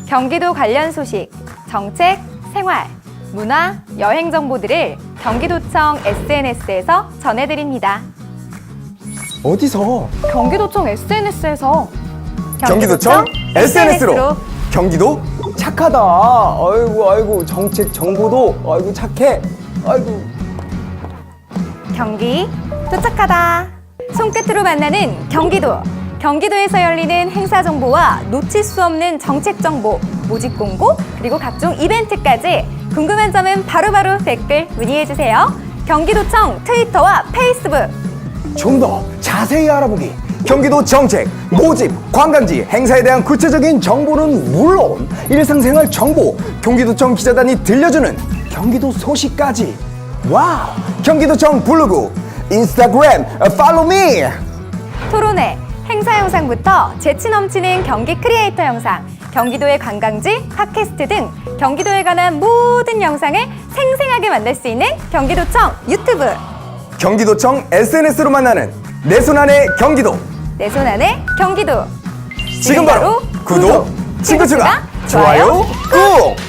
경기도 관련 소식, 정책, 생활, 문화, 여행 정보들을 경기도청 SNS에서 전해드립니다. 어디서? 경기도청 SNS에서 경기도청 SNS로 경기도 착하다. 아이고 정책 정보도 아이고 착해. 아이고. 경기 도착하다. 손끝으로 만나는 경기도. 경기도에서 열리는 행사 정보와 놓칠 수 없는 정책 정보, 모집 공고, 그리고 각종 이벤트까지 궁금한 점은 바로바로 댓글 문의해주세요. 경기도청 트위터와 페이스북. 좀 더 자세히 알아보기. 경기도 정책, 모집, 관광지, 행사에 대한 구체적인 정보는 물론 일상생활 정보, 경기도청 기자단이 들려주는 경기도 소식까지. 와우! 경기도청 블로그, 인스타그램, 팔로우 미! 토론회, 행사 영상부터 재치 넘치는 경기 크리에이터 영상, 경기도의 관광지, 팟캐스트 등 경기도에 관한 모든 영상을 생생하게 만날 수 있는 경기도청 유튜브. 경기도청 SNS로 만나는 내 손 안의 경기도. 내 손 안의 경기도. 지금 바로 구독, 친구 추가, 좋아요 꾹!